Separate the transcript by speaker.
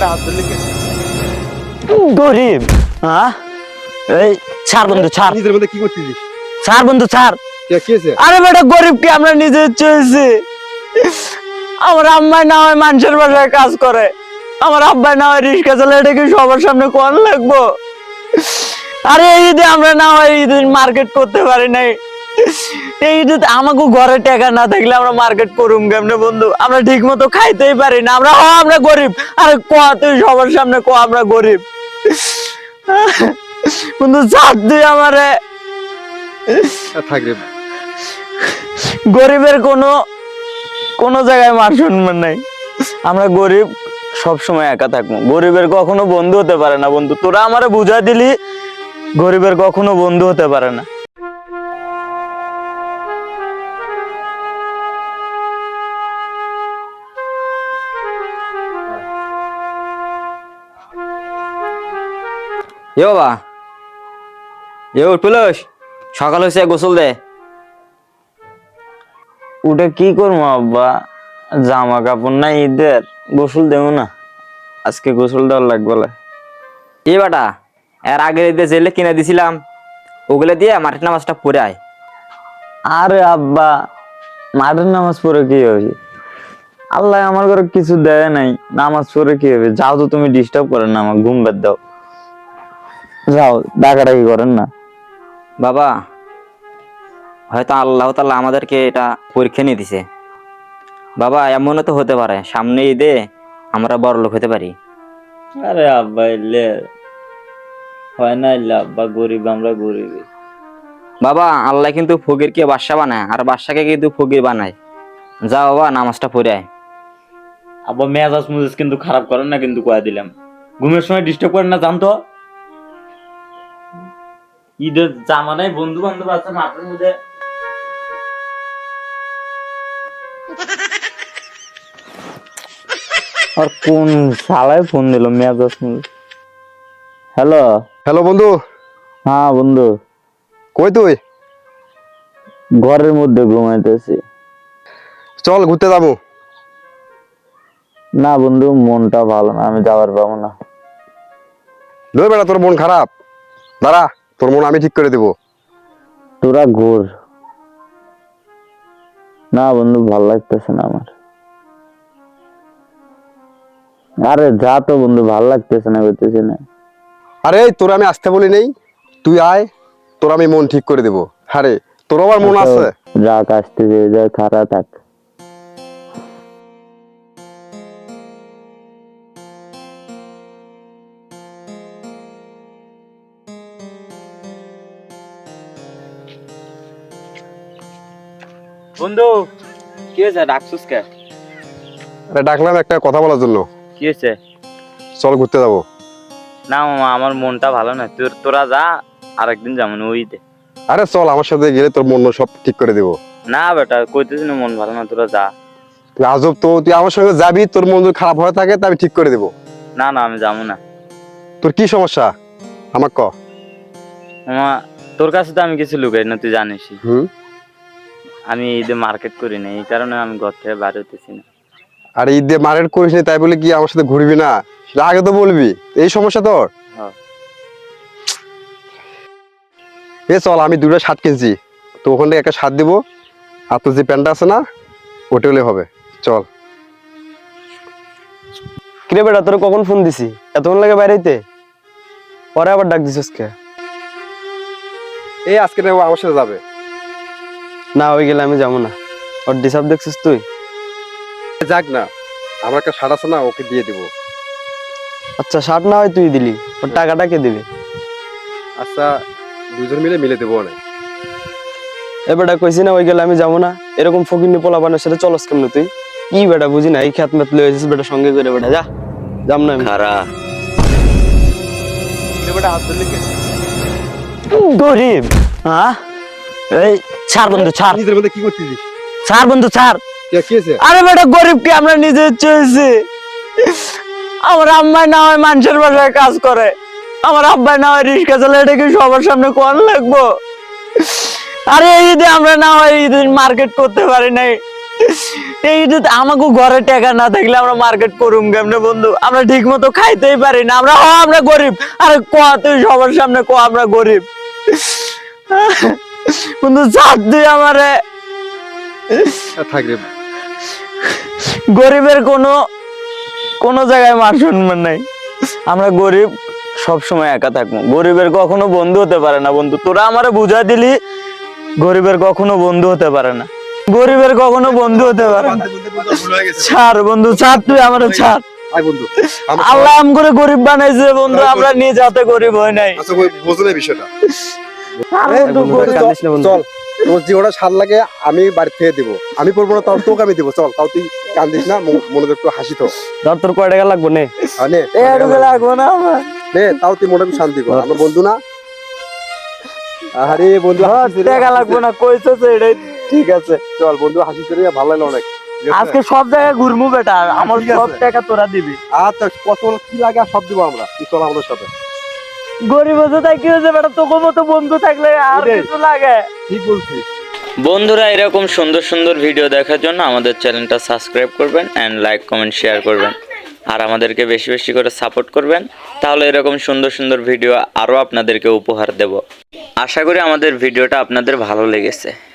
Speaker 1: গরিব হ্যাঁ এই ছাড় বন্ধু ছাড়
Speaker 2: নিজের মধ্যে কি করতেছিস?
Speaker 1: ছাড় বন্ধু ছাড়
Speaker 2: কি হয়েছে?
Speaker 1: আরে বেটা গরিব কি আমরা নিজে চয়েছি আমার আম্মাই না হয় মানুষের বাসায় কাজ করে আমার আব্বাই না হয় রিক্সা চালায় এটা কি সবার সামনে কোন লাগবো আরে এই ঈদে আমরা না হয় ঈদে মার্কেট করতে পারি নাই এই ঈদে আমাকে ঘরে টাকা না থাকলে আমরা মার্কেট করুম কেমনে বন্ধু আমরা ঠিক মতো খাইতেই পারি না আমরা গরিব আরে ক তুই সবার সামনে ক আমরা গরিব বন্ধু ছাড় তুই আমারে
Speaker 2: থাক রে।
Speaker 1: গরিবের কোনো জায়গায় মান সম্মান নাই আমরা গরিব সব সময় একা থাকবো গরিবের কখনো বন্ধু হতে পারে না বন্ধু তোরা আমারে বুঝাই দিলি গরিবের কখনো বন্ধু হতে পারে না
Speaker 3: এ বাবা এ তুলস সকাল হয়েছে গোসল দে।
Speaker 1: ওটা কি করবো আব্বা জামা কাপড় না ঈদের গোসল দেবো না আজকে গোসল দেওয়ার লাগবে না।
Speaker 3: এ বাটা এর আগের ঈদে জেলে কিনে দিছিলাম ওগুলো দিয়ে মাটির নামাজটা পড়ে আয়।
Speaker 1: আরে আব্বা মাঠের নামাজ পড়ে কি হবে আল্লাহ আমার ঘরে কিছু দেয় নাই নামাজ পড়ে কি হবে যাও তো তুমি ডিস্টার্ব করেন না আমার ঘুম বাদ দাও যাও ডাকাডাকি করেন না।
Speaker 3: বাবা হয়তো আল্লাহ তাআলা আমাদেরকে এটা পরীক্ষা নিয়ে দিছে বাবা এমনও তো হতে পারে সামনে ঈদে আমরা বড় লোক হতে পারি।
Speaker 1: আরে আব্বা এলে হয় না এলে আব্বা গরিব আমরা গরিব
Speaker 3: বাবা আল্লাহ কিন্তু ফকিরকে বাদশা বানায় আর বাদশাকে কিন্তু ফকির বানায়। যা বাবা নামাজটা পড়ে আয়।
Speaker 1: আব্বা মেজাজ মুজাজ কিন্তু খারাপ করেন না কিন্তু কয়ে দিলাম ঘুমের সময় ডিস্টার্ব করেন না জানতো ঈদের জামা নাই বন্ধু বান্ধব আছে মাঠের মধ্যে আর কোন শালায় ফোন দিল মেজাজ মুজাজ। হ্যালো
Speaker 2: হ্যালো বন্ধু,
Speaker 1: হ্যাঁ বন্ধু
Speaker 2: কই তুই?
Speaker 1: ঘরের মধ্যে ঘুমাইতেছি।
Speaker 2: চল ঘুরতে যাবো।
Speaker 1: না বন্ধু মনটা ভালো না আমি যাওয়ার পাবো না।
Speaker 2: ধর বেটা তোর মন খারাপ, দাঁড়া তোর মন আমি ঠিক করে দেবো।
Speaker 1: তোরা ঘুর। না বন্ধু ভালো লাগতেছে না আমার। আরে যা তো বন্ধু ভালো লাগতেছে না করতেছি না।
Speaker 2: আরে তোর আমি আসতে বলি নেই, তুই আয় তোর আমি মন ঠিক করে দেবো। আরে তোর আবার মন আছে?
Speaker 1: রাগ আসতেছে যা খারাপ থাক।
Speaker 3: বন্ধু কি হয়েছে ডাকছুস কে?
Speaker 2: আরে ডাকলাম একটা কথা বলার জন্য।
Speaker 3: কি হয়েছে?
Speaker 2: চল ঘুরতে যাবো।
Speaker 1: না মামা আমার মনটা ভালো না তোরা যা আরেকদিন যেমন ওইতে।
Speaker 2: আরে চল আমার সাথে গেলে তোর মন সব ঠিক করে দেবো।
Speaker 1: না বেটা কইতেছি না মন ভালো না তোরা যা।
Speaker 2: তুই আজব তো, তুই আমার সঙ্গে যাবি তোর মন যদি খারাপ হয়ে থাকে তা আমি ঠিক করে দেবো।
Speaker 1: না না আমি যাবো না।
Speaker 2: তোর কি সমস্যা আমার ক।
Speaker 1: মামা তোর কাছে তো আমি কিছু লুকাই না তুই জানিস
Speaker 2: হুম,
Speaker 1: আমি ঈদে মার্কেট করি না এই কারণে আমি ঘর থেকে বাইরে হতেছি না।
Speaker 2: আর ঈদে মার্কেট করিস নি তাই বলে কি আমার সাথে ঘুরবি না সেটা আগে তো বলবি। এই সমস্যা তোর?
Speaker 1: হ্যাঁ।
Speaker 2: এ চল আমি দুটো শার্ট কিনছি তো ওখান থেকে একটা শার্ট দেবো আর তোর যে প্যান্টটা আছে না ওটা হলে হবে। চল।
Speaker 4: কিরে বেটা তোর কখন ফোন দিছি এতক্ষণ লাগে বাইরেতে পরে আবার ডাক দিছিস কে?
Speaker 2: এই আজকে নেবো আমার সাথে যাবে।
Speaker 4: না হয়ে গেলে আমি যাবো না। ওর ডিসাব দেখছিস তুই?
Speaker 2: যাক না, আমার একটা শার্ট আছে না ওকে দিয়ে দিব।
Speaker 4: আচ্ছা শার্ট না হয় তুই দিলি ওর টাকাটা কে দিবি?
Speaker 2: আচ্ছা দুজন মিলে মিলে দেবো না।
Speaker 4: এ বেটা কইছি না ওই গেলে আমি যাবো না। এরকম ফকিন্নি পোলাপানের সাথে চলস কেমনে তুই? কি বেটা বুঝি না এই খেত মেত লয়ে যাচ্ছিস বেটা সঙ্গে করে বেটা যা যাম না আমি।
Speaker 1: খারা
Speaker 4: বেটা হাত ধরলি কে?
Speaker 1: গরিব হ্যাঁ এই ছাড় বন্ধু ছাড়
Speaker 2: নিজের মধ্যে কি করতেছিস?
Speaker 1: ছাড় বন্ধু ছাড়
Speaker 2: কি হয়েছে?
Speaker 1: আরে বেটা গরিব কি আমরা নিজে চয়েছি আমার আম্মাই না হয় মানুষের বাসায় কাজ করে আমার আব্বাই না হয় রিক্সা চালায় এটা কি সবার সামনে কোন লাগবো আরে এই ঈদে আমরা না হয় ঈদে মার্কেট করতে পারি নাই এই যে আমাকে ঘরে টাকা না থাকলে আমরা মার্কেট করুম কেমনে বন্ধু? আমরা ঠিক মতো খাইতেই পারি না। আমরা গরিব। আরে ক তুই সবার সামনে ক আমরা গরিব। বন্ধু ছাড় তুই আমারে।
Speaker 2: থাক রে।
Speaker 1: গরিবের কোনো জায়গায় মান সম্মান নাই। আমরা গরিব, সব সময় একা থাকবো। গরিবের কখনো বন্ধু হতে পারে না বন্ধু। তোরা আমারে বুঝাই দিলি গরিবের কখনো বন্ধু হতে পারে না। গরিবের কখনো বন্ধু হতে পারে না। ছাড় বন্ধু, ছাড় তুই আমারে ছাড়।
Speaker 2: আয় বন্ধু,
Speaker 1: আল্লাহ আম করে গরিব বানাইছে বন্ধু, আমরা নিজ হাতে গরিব হয় নাই।
Speaker 2: আচ্ছা বুঝলে বিষয়টা।
Speaker 1: আর বন্ধু, গরিব-
Speaker 4: কাঁদিস না বন্ধু।
Speaker 2: চল, তোর যে ওটা সার লাগে আমি বাড়ি থেকে দেবো। আমি করবো না, তাও তোকে আমি দেবো। চল, তাও তুই কান্দিস না, মনোযোগ একটু হাসি তো।
Speaker 4: ধর তোর কয় টাকা লাগবো নে।
Speaker 2: নে,
Speaker 1: এটুকু লাগবো না আমার।
Speaker 2: নে, তাও তুই মনে শান্তি কর। আমার বন্ধু না। আরে বন্ধু, হাসিস রে,
Speaker 1: টাকা লাগবো না কইছস, এটাই ঠিক আছে।
Speaker 2: চল বন্ধু, হাসিস রে, ভালো লাগলো অনেক। ঠিক আছে?
Speaker 1: আজকে সব জায়গায় ঘুরমু বেটা, আমার
Speaker 2: ঠিক
Speaker 1: সব
Speaker 2: আছে।
Speaker 1: টাকা তোরা দিবি।
Speaker 2: আচ্ছা, কত কি লাগে আর সব দিব আমরা। তুই চল আমাদের সাথে।
Speaker 1: গরিব হতে তাই কি হয়েছে বেটা? তোকে মতো বন্ধু থাকলে আর
Speaker 2: এটাই।
Speaker 1: কিছু লাগে?
Speaker 2: ঠিক বলছিস।
Speaker 3: বন্ধুরা, এরকম সুন্দর সুন্দর ভিডিও দেখার জন্য আমাদের চ্যানেলটা সাবস্ক্রাইব করবেন অ্যান্ড লাইক কমেন্ট শেয়ার করবেন, আর আমাদেরকে বেশি বেশি করে সাপোর্ট করবেন। তাহলে এরকম সুন্দর সুন্দর ভিডিও আরও আপনাদেরকে উপহার দেব। আশা করি আমাদের ভিডিওটা আপনাদের ভালো লেগেছে।